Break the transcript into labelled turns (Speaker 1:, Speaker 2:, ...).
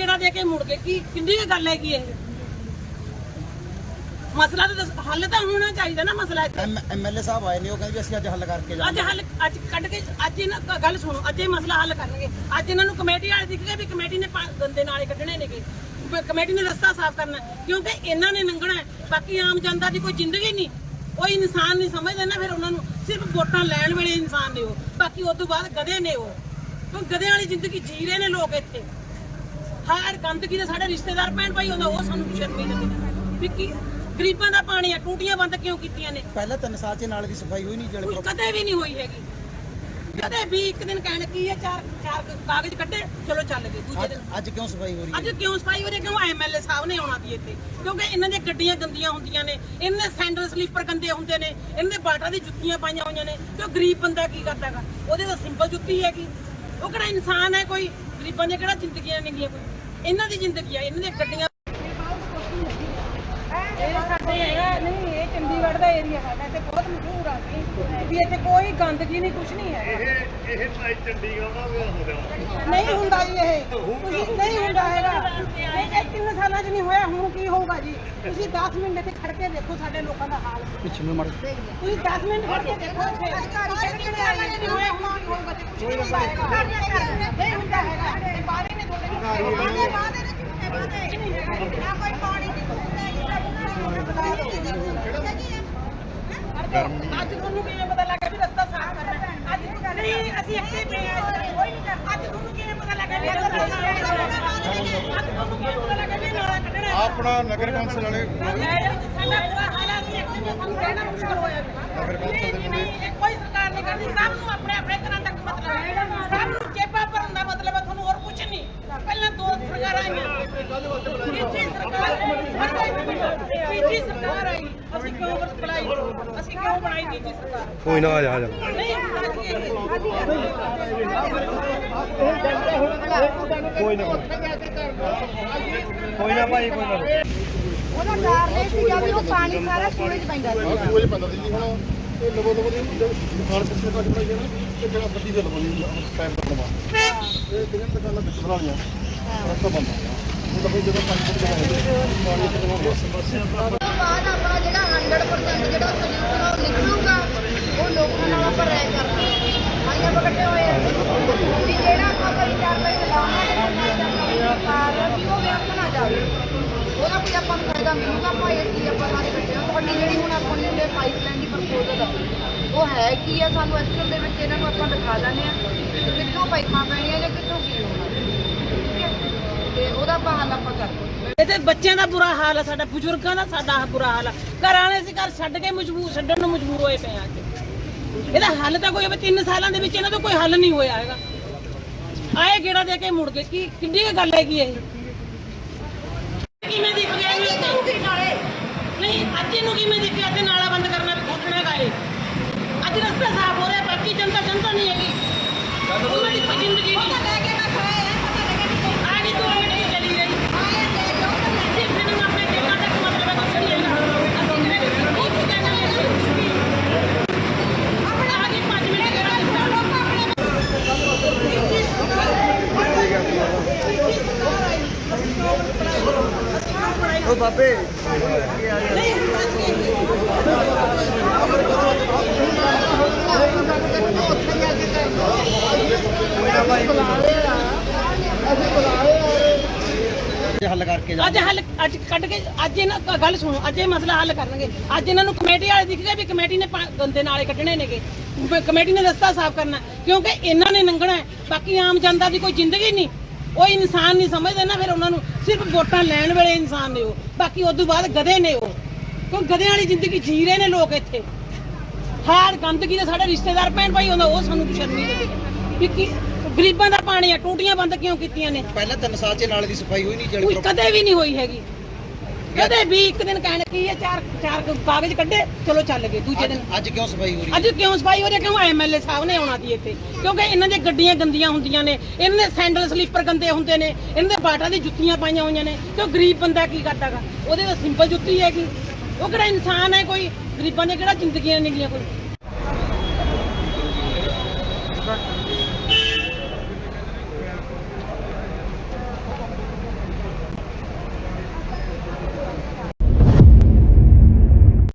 Speaker 1: ਗੇੜਾ ਦੇ ਕੇ ਮੁੜ ਗਏ ਕੀ ਕਿੰਨੀ ਗੱਲ ਹੈ ਕੀ ਇਹ ਮਸਲਾ ਤਾਂ ਹੱਲ ਤਾਂ ਹੋਣਾ ਚਾਹੀਦਾ ਨਾ ਮਸਲਾ
Speaker 2: ਐਮਐਲਏ ਸਾਹਿਬ ਆਏ ਨੇ ਉਹ ਕਹਿੰਦੇ ਅਸੀਂ ਅੱਜ ਹੱਲ ਕਰਕੇ ਜਾਵਾਂਗੇ
Speaker 1: ਅੱਜ ਕੱਢ ਕੇ ਅੱਜ ਇਹਨਾਂ ਗੱਲ ਸੁਣੋ ਅੱਜ ਇਹ ਮਸਲਾ ਹੱਲ ਕਰਨਗੇ ਅੱਜ ਇਹਨਾਂ ਨੂੰ ਕਮੇਟੀ ਵਾਲੇ ਦਿਖ ਗਏ ਵੀ ਕਮੇਟੀ ਨੇ ਗੰਦੇ ਨਾਲੇ ਕੱਢਣੇ ਨੇਗੇ ਕਮੇਟੀ ਨੇ ਰਸਤਾ ਸਾਫ਼ ਕਰਨਾ ਕਿਉਂਕਿ ਇਹਨਾਂ ਨੇ ਲੰਘਣਾ ਬਾਕੀ ਆਮ ਜਨਤਾ ਦੀ ਕੋਈ ਜ਼ਿੰਦਗੀ ਨਹੀਂ ਕੋਈ ਇਨਸਾਨ ਨਹੀਂ ਸਮਝਦੇ ਨਾ ਫਿਰ ਉਹਨਾਂ ਨੂੰ ਸਿਰਫ ਵੋਟਾਂ ਲੈਣ ਵੇਲੇ ਇਨਸਾਨ ਨੇ ਉਹ ਬਾਕੀ ਉਸ ਤੋਂ ਬਾਅਦ ਗਧੇ ਨੇ ਉਹ ਕਿਉਂ ਗਧਿਆਂ ਵਾਲੀ ਜ਼ਿੰਦਗੀ ਜੀ ਰਹੇ ਨੇ ਲੋਕ ਇੱਥੇ ਹਰ ਗੰਦਗੀ ਦੇ ਸਾਡੇ ਰਿਸ਼ਤੇਦਾਰ ਭੈਣ ਭਾਈ ਹੁੰਦਾ ਉਹ ਸਾਨੂੰ ਸ਼ਰਮੀ ਦਿੰਦੇ ਵੀ ਕੀ ਗਰੀਬਾਂ ਦਾ ਪਾਣੀ ਆ ਟੂਟੀਆਂ ਬੰਦ ਕਿਉਂ ਕੀਤੀਆਂ ਨੇ
Speaker 2: ਪਹਿਲਾਂ 3 ਸਾਲ ਚ ਨਾਲੇ ਦੀ ਸਫਾਈ ਹੋਈ ਨਹੀਂ ਜਿਹੜੇ
Speaker 1: ਕਦੇ ਵੀ ਨਹੀਂ ਹੋਈ ਹੈਗੀ ਕਦੇ ਵੀ ਇੱਕ ਦਿਨ ਕਹਿਣ ਕੀ ਹੈ ਚਾਰ ਕਾਗਜ਼ ਕੱਢੇ ਚਲੋ ਚੱਲ ਗਏ ਦੂਜੇ ਦਿਨ
Speaker 2: ਅੱਜ ਕਿਉਂ ਸਫਾਈ ਹੋ ਰਹੀ ਹੈ
Speaker 1: ਅੱਜ ਕਿਉਂ ਸਫਾਈ ਹੋ ਰਹੀ ਹੈ ਕਿਉਂ ਐਮਐਲਏ ਸਾਹਿਬ ਨੇ ਆਉਣਾ ਦੀ ਇੱਥੇ ਕਿਉਂਕਿ ਇਹਨਾਂ ਦੀਆਂ ਗੱਡੀਆਂ ਗੰਦੀਆਂ ਹੁੰਦੀਆਂ ਨੇ ਇਹਨਾਂ ਦੇ ਸੈਂਡਲ ਸਲੀਪਰ ਗੰਦੇ ਹੁੰਦੇ ਨੇ ਇਹਨਾਂ ਦੇ ਬਾਟਾ ਦੀ ਜੁੱਤੀਆਂ ਪਾਈਆਂ ਹੋਈਆਂ ਨੇ ਤੇ ਗਰੀਬ ਬੰਦਾ ਕੀ ਕਰਦਾਗਾ ਉਹਦੇ ਤਾਂ ਸਿੰਪਲ ਜੁੱਤੀ ਹੈਗੀ ਉਹ ਕਿਹੜਾ ਇਨਸਾਨ ਹੈ ਕੋਈ ਗਰੀਬਾਂ ਦੀਆਂ ਕਿਹੜਾ ਜ਼ਿੰਦਗੀਆਂ ਨੇਗੀਆਂ ਕੋਈ ਇਹਨਾਂ ਦੀ ਜ਼ਿੰਦਗੀ ਆ ਇਹਨਾਂ ਦੀਆਂ ਗੱਡੀਆਂ ਇਹ ਸਾਡੇ ਹੈਗਾ ਨਹੀਂ ਇਹ ਚੰਡੀਗੜ੍ਹ ਦਾ ਏਰੀਆ ਹੈਗਾ ਤੇ ਬਹੁਤ ਮਸ਼ਹੂਰ ਆ ਵੀ ਇੱਥੇ ਕੋਈ ਗੰਦਗੀ ਨਹੀਂ ਕੁਝ ਨਹੀਂ ਹੈ
Speaker 3: ਇਹ ਚੰਡੀਗੜ੍ਹ ਦਾ ਹੋ ਗਿਆ
Speaker 1: ਨਹੀਂ ਹੁੰਦਾ ਜੀ ਇਹ ਤੁਸੀਂ ਨਹੀਂ ਹੁੰਦਾ ਹੈਗਾ ਇਹ 3 ਸਾਲਾਂ 'ਚ ਨਹੀਂ ਹੋਇਆ ਹੁਣ ਕੀ ਹੋਊਗਾ ਜੀ ਤੁਸੀਂ 10 ਮਿੰਟ ਇੱਥੇ ਖੜ ਕੇ ਦੇਖੋ ਸਾਡੇ ਲੋਕਾਂ ਦਾ ਹਾਲ
Speaker 2: ਪਿੱਛੇ ਨੂੰ ਮੜ
Speaker 1: ਤੁਸੀਂ 10 ਮਿੰਟ ਖੜ ਕੇ ਦੇਖੋ ਇੱਥੇ ਨਹੀਂ ਹੋਇਆ ਹੁਣ ਕੀ ਹੋਊਗਾ ਜੀ ਕੁਝ ਨਹੀਂ ਹੁੰਦਾ ਹੈਗਾ ਇਹ ਬਾਰੇ ਨੇ ਤੁਹਾਡੇ ਨਾ ਕੋਈ ਪਾਣੀ ਅੱਜ ਤੁਹਾਨੂੰ ਕਿਵੇਂ ਪਤਾ ਲੱਗਾ ਵੀ ਰਸਤਾ ਸਾਫ਼ ਕਰਨਾ ਅੱਜ ਨਹੀਂ ਅਸੀਂ ਇੱਥੇ ਪਏ ਆ ਅੱਜ ਤੁਹਾਨੂੰ ਕਿਵੇਂ ਪਤਾ ਲੱਗਾ ਵੀ ਰਸਤਾ ਸਾਫ਼ ਕਰਨਾ ਅੱਜ ਤੁਹਾਨੂੰ ਕਿਵੇਂ ਪਤਾ ਲੱਗਾ ਵੀ ਨਾਲਾ ਕੱਢਣਾ
Speaker 3: ਆਪਣਾ ਨਗਰ ਕੌਂਸਲ ਵਾਲੇ
Speaker 1: ਸਾਡਾ ਪੂਰਾ ਹਾਲਾਤ ਸੀ ਇੱਥੇ ਸਾਨੂੰ ਰਹਿਣਾ ਮੁਸ਼ਕਲ ਹੋਇਆ
Speaker 3: ਨਗਰ ਕੌਂਸਲ ਦੇ
Speaker 1: ਇਹ ਕੋਈ ਸਰਕਾਰ ਨਹੀਂ ਕਰਦੀ ਸਭ ਨੂੰ ਆਪਣੇ ਆਪਣੇ ਘਰਾਂ ਤੱਕ ਮਤਲਬ ਹੈ ਸਭ ਨੂੰ ਜੇਬਾਂ ਭਰਨ ਦਾ ਮਤਲਬ ਹੈ ਤੁਹਾਨੂੰ ਹੋਰ ਕੁਝ ਨਹੀਂ ਪਹਿਲਾਂ 2 ਸਰਕਾਰਾਂ ਆਈਆਂ ਤੀਜੀ ਸਰਕਾਰ ਆਈ ਅਸੀਂ ਕਿਉਂ ਬਣਾਈ ਅਸੀਂ ਕਿਉਂ ਬਣਾਈ ਤੀਜੀ ਸਰਕਾਰ
Speaker 3: ਕੋਈ ਨਾ ਆ ਜਾ
Speaker 1: ਨਹੀਂ
Speaker 3: ਕੋਈ ਨਾ ਭਾਈ ਕੋਈ ਨਾ
Speaker 4: ਉਹਦਾ ਕਾਰਨ ਇਹ ਸੀਗਾ ਵੀ ਉਹ ਪਾਣੀ ਸਾਰਾ ਸੂਏ 'ਚ ਪੈਂਦਾ ਸੀ
Speaker 3: ਸੂਏ ਪੈਂਦਾ ਸੀ ਜੀ ਹੁਣ ਇਹ ਲਵੋ ਦੀ ਦੁਕਾਨ ਕਿੱਥੇ ਤੱਕ ਬਣਾਈ ਜਾਣਾ ਤੇ ਜਿਹੜਾ ਗੱਡੀ ਦੇ ਲਵਾਉਣੀ ਟਾਈਮ ਤੱਕ ਲਵਾ ਇਹ ਕਿਹਨਾਂ ਦੁਕਾਨਾਂ ਵਿੱਚ ਬਣਾਉਣੀਆਂ ਰਸਤਾ ਬੰਦ ਉਹ ਤਾਂ ਜਦੋਂ ਪਾਣੀ ਤੋਂ ਪਾਣੀ ਤੋਂ ਸਮੱਸਿਆ
Speaker 4: ਉਸ ਤੋਂ ਬਾਅਦ ਆਪਣਾ ਜਿਹੜਾ 100% ਜਿਹੜਾ ਸੋਲੂਸ਼ਨ ਉਹ ਨਿਕਲੂਗਾ ਉਹ ਲੋਕਾਂ ਨਾਲ ਆਪਾਂ ਰਾਏ ਕਰਨਾ ਆਈਆਂ ਬਕਟੇ ਹੋਏ ਵੀ ਜਿਹੜਾ ਆਪਾਂ ਕਰੀ ਕਾਰਵਾਈ ਚਲਾਉਣਾ ਵੀ ਉਹ ਵਿਅਰਥ ਨਾ ਜਾਵੇ ਉਹਦਾ ਕੋਈ ਆਪਾਂ ਨੂੰ ਫਾਇਦਾ ਮਿਲੂਗਾ ਆਪਾਂ ਇਸ ਲਈ ਆਪਾਂ ਸਾਰੇ ਬੱਚੇ ਨੂੰ ਤੁਹਾਡੀ ਜਿਹੜੀ ਹੁਣ ਆਪਣੀ ਜਿਹੜੇ ਪਾਈਪਲਾਈਨ ਦੀ ਪ੍ਰਪੋਜ਼ਲ ਆ ਉਹ ਹੈ ਕੀ ਆ ਸਾਨੂੰ ਐਕਚੁਅਲ ਦੇ ਵਿੱਚ ਇਹਨਾਂ ਨੂੰ ਆਪਾਂ ਦਿਖਾ ਦਿੰਦੇ ਆ ਕਿ ਕਿੱਥੋਂ ਪਾਈਪਾਂ ਪੈਣੀਆਂ ਜਾਂ ਕਿੱਥੋਂ ਕੀ ਹੋਣਾ ਠੀਕ ਹੈ ਤੇ ਉਹਦਾ ਆਪਾਂ ਹੱਲ ਆਪਾਂ ਕਰਦੇ
Speaker 1: ਇਹਦੇ ਬੱਚਿਆਂ ਦਾ ਬੁਰਾ ਹਾਲ ਹੈ ਸਾਡਾ ਬਜ਼ੁਰਗਾਂ ਦਾ ਸਾਡਾ ਬੁਰਾ ਹਾਲ ਹੈ ਘਰ ਵਾਲੇ ਅਸੀਂ ਘਰ ਛੱਡਣ ਨੂੰ ਮਜਬੂਰ ਹੋਏ ਪਏ ਆ ਇਹਦਾ ਹੱਲ ਤਾਂ ਕੋਈ 3 ਸਾਲਾਂ ਦੇ ਵਿੱਚ ਇਹਨਾਂ ਦਾ ਕੋਈ ਹੱਲ ਨਹੀਂ ਹੋਇਆ ਹੈਗਾ ਆਏ ਗੇੜਾ ਦੇ ਕੇ ਮੁੜ ਗਏ ਕੀ ਕਿੰਨੀ ਗੱਲ ਹੈਗੀ ਇਹ ਕਿਵੇਂ ਦਿਖ ਗਿਆ ਨਹੀਂ ਅੱਜ ਇਹਨੂੰ ਕਿਵੇਂ ਦਿਖਿਆ ਤੇ ਨਾਲਾ ਬੰਦ ਕਰਨਾ ਵੀ ਖੋਟਣਾ ਗਾਏ ਅੱਜ ਰਸਤਾ ਸਾਫ਼ ਹੋ ਰਿਹਾ ਬਾਕੀ ਜਨਤਾ ਨਹੀਂ ਹੈਗੀ ਉਹਨਾਂ ਦੀ ਕੋਈ ਜ਼ਿੰਦਗੀ ਨਹੀਂ ਆਗੇ 2 ਮਿੰਟ ਹੀ ਚਲੀ ਗਈ ਸਿਰਫ ਮੈਨੂੰ ਆਪਣੇ ਟੇਕਾਂ ਤੱਕ ਮਤਲਬ ਹੈ ਕੁਛ ਨਹੀਂ ਹੈਗਾ ਉਹ ਕਹਿਣਾ ਹੈ ਆਪਣਾ ਆਗੇ 5 ਮਿੰਟ
Speaker 2: ਉਹ ਬਾਬੇ ਹੱਲ ਕਰਕੇ
Speaker 1: ਅੱਜ ਕੱਢ ਕੇ ਅੱਜ ਇਹਨਾਂ ਗੱਲ ਸੁਣੋ ਅੱਜ ਇਹ ਮਸਲਾ ਹੱਲ ਕਰਨਗੇ ਅੱਜ ਇਹਨਾਂ ਨੂੰ ਕਮੇਟੀ ਵਾਲੇ ਦਿਖ ਗਏ ਵੀ ਕਮੇਟੀ ਨੇ ਗੰਦੇ ਨਾਲੇ ਕੱਢਣੇ ਨੇਗੇ ਕਮੇਟੀ ਨੇ ਰਸਤਾ ਸਾਫ਼ ਕਰਨਾ ਕਿਉਂਕਿ ਇਹਨਾਂ ਨੇ ਲੰਘਣਾ ਬਾਕੀ ਆਮ ਜਨਤਾ ਦੀ ਕੋਈ ਜ਼ਿੰਦਗੀ ਨਹੀਂ ਕੋਈ ਇਨਸਾਨ ਨਹੀਂ ਸਮਝਦੇ ਨਾ ਫਿਰ ਉਹਨਾਂ ਨੂੰ ਸਿਰਫ ਵੋਟਾਂ ਲੈਣ ਵੇਲੇ ਇਨਸਾਨ ਨੇ ਉਹ ਬਾਕੀ ਉਸ ਤੋਂ ਬਾਅਦ ਗਧੇ ਨੇ ਉਹ ਕਿਉਂ ਗਧਿਆਂ ਵਾਲੀ ਜ਼ਿੰਦਗੀ ਜੀ ਰਹੇ ਨੇ ਲੋਕ ਇੱਥੇ ਹਰ ਗੰਦਗੀ ਦੇ ਸਾਡੇ ਰਿਸ਼ਤੇਦਾਰ ਭੈਣ ਭਾਈ ਹੁੰਦਾ ਉਹ ਸਾਨੂੰ ਸ਼ਰਮੀ ਦਿੰਦੇ ਵੀ ਕੀ ਗਰੀਬਾਂ ਦਾ ਪਾਣੀ ਆ ਟੂਟੀਆਂ ਬੰਦ ਕਿਉਂ ਕੀਤੀਆਂ ਨੇ
Speaker 2: ਪਹਿਲਾਂ 3 ਸਾਲ ਚ ਨਾਲੇ ਦੀ ਸਫਾਈ ਹੋਈ ਨਹੀਂ ਜਿਹੜੇ
Speaker 1: ਕਦੇ ਵੀ ਨਹੀਂ ਹੋਈ ਹੈਗੀ ਕਦੇ ਵੀ ਇੱਕ ਦਿਨ ਕਹਿਣ ਕੀ ਹੈ ਚਾਰ ਕਾਗਜ਼ ਕੱਢੇ ਚਲੋ ਚੱਲ ਗਏ ਦੂਜੇ ਦਿਨ
Speaker 2: ਅੱਜ ਕਿਉਂ ਸਫਾਈ ਹੋ ਰਹੀ
Speaker 1: ਅੱਜ ਕਿਉਂ ਸਫਾਈ ਹੋ ਰਹੀ ਹੈ ਕਿਉਂ ਐਮਐਲਏ ਸਾਹਿਬ ਨੇ ਆਉਣਾ ਦੀ ਇੱਥੇ ਕਿਉਂਕਿ ਇਹਨਾਂ ਦੀਆਂ ਗੱਡੀਆਂ ਗੰਦੀਆਂ ਹੁੰਦੀਆਂ ਨੇ ਇਹਨਾਂ ਦੇ ਸੈਂਡਲ ਸਲੀਪਰ ਗੰਦੇ ਹੁੰਦੇ ਨੇ ਇਹਨਾਂ ਦੇ ਬਾਟਾ ਦੀ ਜੁੱਤੀਆਂ ਪਾਈਆਂ ਹੋਈਆਂ ਨੇ ਤੇ ਗਰੀਬ ਬੰਦਾ ਕੀ ਕਰਦਾਗਾ ਉਹਦੇ ਤਾਂ ਸਿੰਪਲ ਜੁੱਤੀ ਹੈਗੀ ਉਹ ਕਿਹੜਾ ਇਨਸਾਨ ਹੈ ਕੋਈ ਗਰੀਬਾਂ ਦੀਆਂ ਕਿਹੜਾ ਜ਼ਿੰਦਗੀਆਂ ਨੇਗੀਆਂ ਕੋਈ